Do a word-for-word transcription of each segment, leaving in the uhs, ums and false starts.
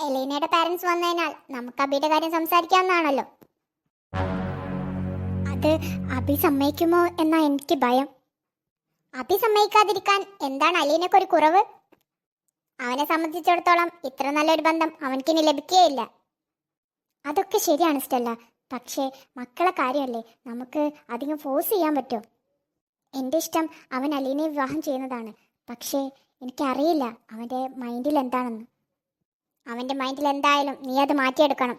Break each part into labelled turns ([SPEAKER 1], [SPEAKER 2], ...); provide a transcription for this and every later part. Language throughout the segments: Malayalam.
[SPEAKER 1] എലീനയുടെ പാരന്റ്സ് വന്നതിനാൽ നമുക്ക് അബിയുടെ കാര്യം സംസാരിക്കാവുന്നതാണല്ലോ. അത് അബി സമ്മതിക്കുമോ എന്നാ എനിക്ക് ഭയം. അബി സമ്മതിക്കാതിരിക്കാൻ എന്താണ് അലീനക്കൊരു കുറവ്? അവനെ സംബന്ധിച്ചിടത്തോളം ഇത്ര നല്ലൊരു ബന്ധം അവൻക്കിനി ലഭിക്കുകയില്ല. അതൊക്കെ ശരിയാണ് സ്റ്റെല്ല, പക്ഷേ മക്കളെ കാര്യമല്ലേ, നമുക്ക് അധികം ഫോഴ്സ് ചെയ്യാൻ പറ്റുമോ? എൻ്റെ ഇഷ്ടം അവൻ അലീനയെ വിവാഹം ചെയ്യുന്നതാണ്. പക്ഷേ എനിക്കറിയില്ല അവൻ്റെ മൈൻഡിൽ എന്താണെന്ന്. അവൻ്റെ മൈൻഡിൽ എന്തായാലും നീ അത് മാറ്റിയെടുക്കണം.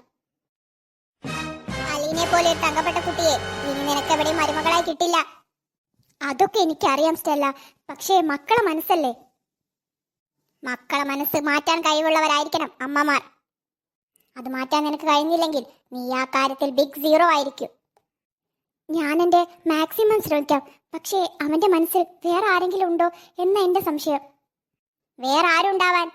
[SPEAKER 1] അലീനെ പോലെ ഒരു തങ്കപ്പെട്ട കുട്ടിയെ ഇനി നിനക്ക് എവിടെയും മരുമകളായി കിട്ടില്ല. അതൊക്കെ എനിക്കറിയാം സ്റ്റെല്ല, പക്ഷേ മക്കളെ മനസ്സല്ലേ. മക്കളെ മനസ്സ് മാറ്റാൻ കഴിവുള്ളവരായിരിക്കണം അമ്മമാർ. അത് മാറ്റാൻ നിനക്ക് കഴിഞ്ഞില്ലെങ്കിൽ നീ ആ കാര്യത്തിൽ ബിഗ് സീറോ ആയിരിക്കും. ഞാൻ എൻ്റെ മാക്സിമം ശ്രമിക്കാം, പക്ഷേ അവൻ്റെ മനസ്സിൽ വേറെ ആരെങ്കിലും ഉണ്ടോ എന്ന എൻ്റെ സംശയം. വേറെ ആരുണ്ടാവാൻ?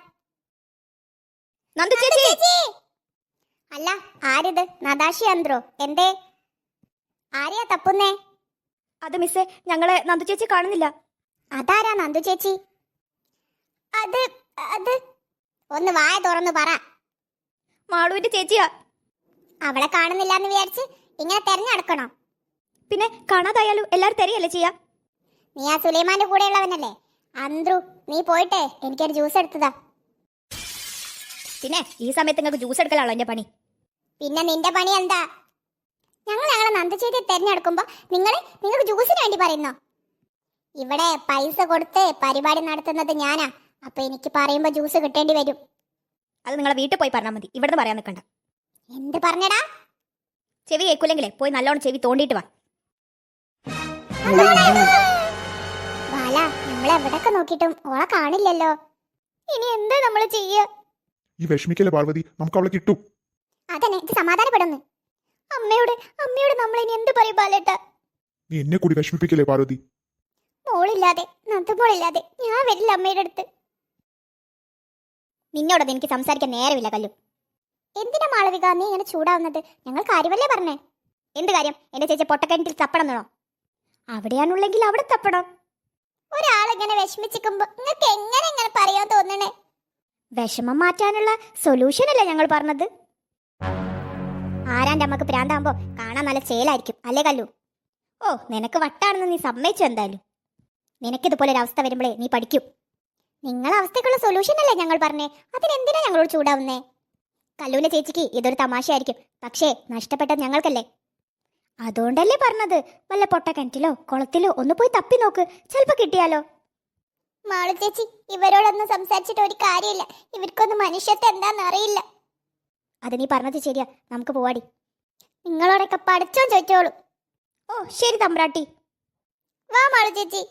[SPEAKER 1] അല്ല, ആരിത്? നദാശി അന്ത്രോ? എന്തേ? ആരെയാ തപ്പുന്നേ?
[SPEAKER 2] അത് മിസ്സേ, ഞങ്ങളെ നന്ദു ചേച്ചി കാണുന്നില്ല.
[SPEAKER 1] അതാരാ നന്ദു ചേച്ചി? അത് അത് ഒന്ന് വായ തുറന്നു പറ.
[SPEAKER 2] മാളുവിന്റെ ചേച്ചിയാ.
[SPEAKER 1] അവളെ കാണുന്നില്ല എന്ന് വിചാരിച്ച് ഇങ്ങനെ തെരഞ്ഞെടുക്കണോ?
[SPEAKER 2] പിന്നെ കാണാതായാലും എല്ലാരും തെരയല്ലേ ചെയ്യാ.
[SPEAKER 1] നീ ആ സുലൈമാന്റെ കൂടെയുള്ളവനല്ലേ? അന്ത്രു, നീ പോയിട്ടേ എനിക്കൊരു ജ്യൂസ് എടുത്തതാ.
[SPEAKER 2] പിന്നെ ഈ സമയത്ത് നിങ്ങൾക്ക് ജ്യൂസ് എടുക്കലാണോ എന്റെ പണി?
[SPEAKER 1] പിന്നെ നിന്റെ പണി എന്താ? ഞങ്ങൾ ഞങ്ങളെ നന്ദുചേച്ചിയെ തെരഞ്ഞെടുക്കുമ്പോ നിങ്ങൾ നിങ്ങൾക്ക് ജ്യൂസിന് വേണ്ടി പറയുന്നോ? ഇവിടെ പൈസ കൊടുത്ത് പരിപാടി നടത്തുന്നത് ഞാനാ. അപ്പൊ എനിക്ക് പറയുമ്പോ ജ്യൂസ് കിട്ടേണ്ടി വരും.
[SPEAKER 2] അത് നിങ്ങളെ വീട്ടിൽ പോയി പറഞ്ഞാൽ മതി, ഇവിടുന്ന് പറയാൻ നിൽക്കണ്ട.
[SPEAKER 1] എന്ത് പറഞ്ഞടാ?
[SPEAKER 2] ചെവി കേൾക്കൂലെങ്കിലേ പോയി നല്ലോണം ചെവി തോണ്ടിയിട്ട് വാ.
[SPEAKER 1] ബാല, നമ്മൾ എവിടൊക്കെ നോക്കിയിട്ടും ഓളെ കാണില്ലല്ലോ. ഇനി എന്താ നമ്മൾ ചെയ്യ?
[SPEAKER 3] ഈ വിഷമിക്കല്ലേ പാർവതി, നമുക്ക് അവളെ കിട്ടും.
[SPEAKER 1] അതന്നെ, ഇത് സമാധാനപ്പെടുന്നു. അമ്മയോട് അമ്മയോട് നമ്മൾ ഇനി എന്ത് പറയും ബാലേട്ടാ?
[SPEAKER 3] നീ എന്നെ കൂടി വിഷമിപ്പിക്കല്ലേ പാർവതി.
[SPEAKER 1] മോളില്ലാതെ നന്ദുമോളില്ലാതെ ഞാൻ വരില്ല അമ്മയുടെ അടുത്ത്.
[SPEAKER 2] നിന്നോടത് എനിക്ക് സംസാരിക്കാൻ നേരമില്ല കല്ലു.
[SPEAKER 1] എന്തിനാ മാളവിക നീ ഇങ്ങനെ ചൂടാവുന്നത്? ഞങ്ങൾ കാര്യമല്ലേ പറഞ്ഞേ.
[SPEAKER 2] എന്ത് കാര്യം? എന്റെ ചേച്ചി പൊട്ടക്കിണറ്റിൽ തപ്പണം എന്നോ?
[SPEAKER 1] അവിടെയാണുള്ളെങ്കിൽ അവിടെ തപ്പണം. ഒരാളിങ്ങനെ വിഷമിച്ചിരിക്കുമ്പോ നിങ്ങൾക്ക് എങ്ങനെ ഇങ്ങനെ പറയാൻ തോന്നണേ?
[SPEAKER 2] വിഷമം മാറ്റാനുള്ള സൊല്യൂഷൻ അല്ലേ ഞങ്ങൾ പറഞ്ഞത്. ആരാന്റെ അമ്മക്ക് പ്രാന്താകുമ്പോ കാണാൻ നല്ല ചേലായിരിക്കും അല്ലേ കല്ലു? ഓ, നിനക്ക് വട്ടാണെന്ന് നീ സമ്മതിച്ചു. എന്തായാലും നിനക്കിതുപോലെ ഒരു അവസ്ഥ വരുമ്പോഴേ നീ പഠിക്കും.
[SPEAKER 1] നിങ്ങളെ അവസ്ഥക്കുള്ള സൊല്യൂഷൻ അല്ലേ ഞങ്ങൾ പറഞ്ഞേ, അതിനെന്തിനാ ഞങ്ങളോട് ചൂടാവുന്നേ?
[SPEAKER 2] കല്ലുവിന്റെ ചേച്ചിക്ക് ഇതൊരു തമാശയായിരിക്കും, പക്ഷേ നഷ്ടപ്പെട്ടത് ഞങ്ങൾക്കല്ലേ. അതുകൊണ്ടല്ലേ പറഞ്ഞത്, വല്ല പൊട്ടക്കിണറ്റിലോ കുളത്തിലോ ഒന്ന് പോയി തപ്പി നോക്ക്, ചിലപ്പോ കിട്ടിയാലോ.
[SPEAKER 1] മാളു ചേച്ചി, ഇവരോടൊന്നും സംസാരിച്ചിട്ട് ഒരു കാര്യമില്ല. ഇവർക്കൊന്നും മനുഷ്യത്വം എന്താന്ന് അറിയില്ല.
[SPEAKER 2] അത് നീ പറഞ്ഞത് ശരിയാ, നമുക്ക് പോവാടി.
[SPEAKER 1] നിങ്ങളോടൊക്കെ പഠിച്ചോ ചോദിച്ചോളൂ.
[SPEAKER 2] ഓ ശരി തമ്പ്രാട്ടി,
[SPEAKER 1] വാ മാളു ചേച്ചി.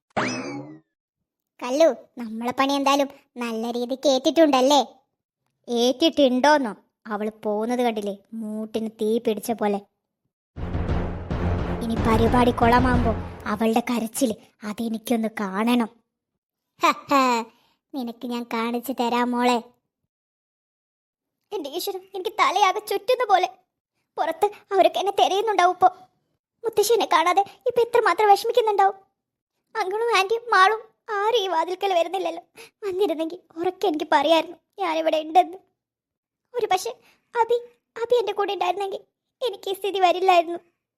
[SPEAKER 2] കല്ലു, നമ്മളെ പണി എന്തായാലും നല്ല രീതിക്ക് ഏറ്റിട്ടുണ്ടല്ലേ? ഏറ്റിട്ടുണ്ടോന്നോ? അവള് പോകുന്നത് കണ്ടില്ലേ, മൂട്ടിന് തീ പിടിച്ച പോലെ. ഇനി പരിപാടി കൊളമാകുമ്പോ അവളുടെ കരച്ചില് അതെനിക്കൊന്ന് കാണണം.
[SPEAKER 1] നിനക്ക് ഞാൻ കാണിച്ചു തരാം മോളെ.
[SPEAKER 2] എന്റെ ഈശ്വരം, എനിക്ക് തലയാകെ ചുറ്റുന്ന പോലെ. പുറത്ത് അവരൊക്കെ എന്നെ തിരയുന്നുണ്ടാവും. ഇപ്പൊ മുത്തശ്ശിനെ കാണാതെ ഇപ്പൊ എത്രമാത്രം വിഷമിക്കുന്നുണ്ടാവും. അങ്കിളും ആന്റിയും മാളും ആരും ഈ വാതിൽക്കൽ വരുന്നില്ലല്ലോ. വന്നിരുന്നെങ്കിൽ ഉറക്കെ എനിക്ക് പറയായിരുന്നു ഞാനിവിടെ ഉണ്ടെന്ന്. ഒരു പക്ഷെ അബി അബി എന്റെ കൂടെ ഉണ്ടായിരുന്നെങ്കിൽ എനിക്ക് ഈ സ്ഥിതി വരില്ലായിരുന്നു.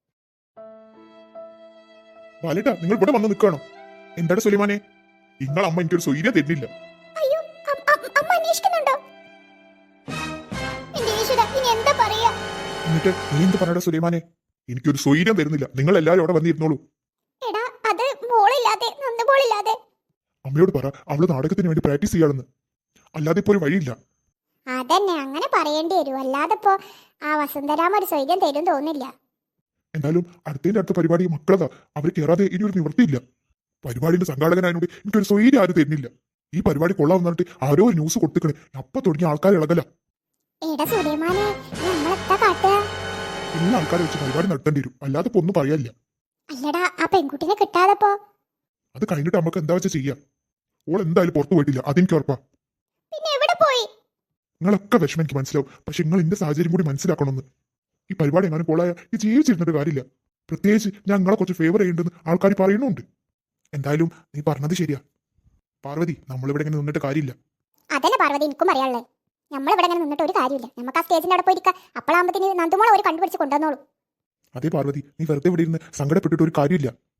[SPEAKER 3] ബാലേട്ടാ, നിങ്ങൾ ഇവിടെ വന്ന് നിൽക്കണം. എന്താണ് സുലൈമാനെ, നിങ്ങൾ അമ്മ എനിക്കൊരു സ്വൈര്യം തരുന്നില്ല.
[SPEAKER 1] അയ്യോ, അമ്മ അന്വേഷിക്കുന്നുണ്ടോ? എന്റെ ഈശ്വര, ഇനി എന്താ പറയാ?
[SPEAKER 3] എന്നിട്ട് നീ എന്ത് പറയടാ സുലൈമാനെ? എനിക്കൊരു സ്വൈര്യം തരുന്നില്ല. നിങ്ങൾ എല്ലാവരും അവിടെ വന്നിരുന്നോളൂ.
[SPEAKER 1] എടാ, അത് മോളില്ലാതെ നന്ദുമോളില്ലാതെ.
[SPEAKER 3] അമ്മയോട് പറ, അവള് നാടകത്തിന് വേണ്ടി പ്രാക്ടീസ് ചെയ്യാണെന്ന്. അല്ലാതെ ഇപ്പോൾ ഒരു വഴിയില്ല.
[SPEAKER 1] അതന്നെ, അങ്ങനെ പറയേണ്ടി വരും. അല്ലാതെ ഇപ്പോ ആ വസുന്ധരാമ ഒരു സ്വൈര്യം തരും തോന്നില്ല.
[SPEAKER 3] എന്തായാലും അടുത്തതിന്റെ അടുത്ത പരിപാടി മക്കളതാ, അവർ കയറാതെ ഇനി ഒരു നിവൃത്തിയില്ല. പരിപാടിയുടെ സംഘാടകനായതുകൊണ്ട് എനിക്കൊരു സ്വൈര്യം ആരും തരുന്നില്ല. ഈ പരിപാടി കൊള്ളാമെന്ന് പറഞ്ഞിട്ട് ആരോ ഒരു ന്യൂസ് കൊടുത്തിക്കണേ, അപ്പൊ തുടങ്ങിയ ആൾക്കാർ ഇളകല.
[SPEAKER 1] എടാ സുലൈമാനെ, നമ്മളെത്താ കാട്ടുക?
[SPEAKER 3] എല്ലാ ആൾക്കാരെ വെച്ച് പരിപാടി നടത്തേണ്ടി വരും, അല്ലാതെ ഇപ്പൊ ഒന്നും പറയാനില്ല.
[SPEAKER 1] അല്ലടാ, ആ പെൺകുട്ടിനെ കിട്ടാതെപ്പോ?
[SPEAKER 3] അത് കഴിഞ്ഞിട്ട് നമുക്ക് എന്താ വെച്ചാൽ ചെയ്യാം. ഓൾ എന്തായാലും പുറത്തു പോയിട്ടില്ല, അതെനിക്ക് ഉറപ്പാ.
[SPEAKER 1] പിന്നെ എവിടെ പോയി?
[SPEAKER 3] നിങ്ങളൊക്കെ വിഷമം എനിക്ക് മനസ്സിലാവും, പക്ഷെ നിങ്ങൾ എന്റെ സാഹചര്യം കൂടി മനസ്സിലാക്കണമെന്ന്. ഈ പരിപാടി എങ്ങനെ പോളായ ഈ ജീവിച്ചിരുന്നിട്ട് കാര്യമില്ല. പ്രത്യേകിച്ച് ഞാൻ നിങ്ങളെ കുറച്ച് ഫേവർ ചെയ്യുന്നുണ്ടെന്ന് ആൾക്കാർ പറയുന്നുണ്ട്. എന്തായാലും നീ പറഞ്ഞത് ശരിയാ പാർവതി, നമ്മളിവിടെ ഇങ്ങനെ നിന്നിട്ട് കാര്യമില്ല.
[SPEAKER 1] അതന്നെ പാർവതി, എനിക്കും അറിയാനുള്ളത്. നമ്മളിവിടെ ഇങ്ങനെ നിന്നിട്ട് ഒരു കാര്യമില്ല. നമുക്ക് ആ സ്റ്റേജിന്റെ അവിടെ പോയിരിക്കാം. അപ്പോഴാകുമ്പത്തിന് നന്ദുമോളെ ഒരു കണ്ടുപിടിച്ച് കൊണ്ടുവന്നോളൂ.
[SPEAKER 3] അതേ പാർവതി, നീ വെറുതെ ഇവിടെ ഇരുന്ന് സങ്കടപ്പെട്ടിട്ട് ഒരു കാര്യമില്ല.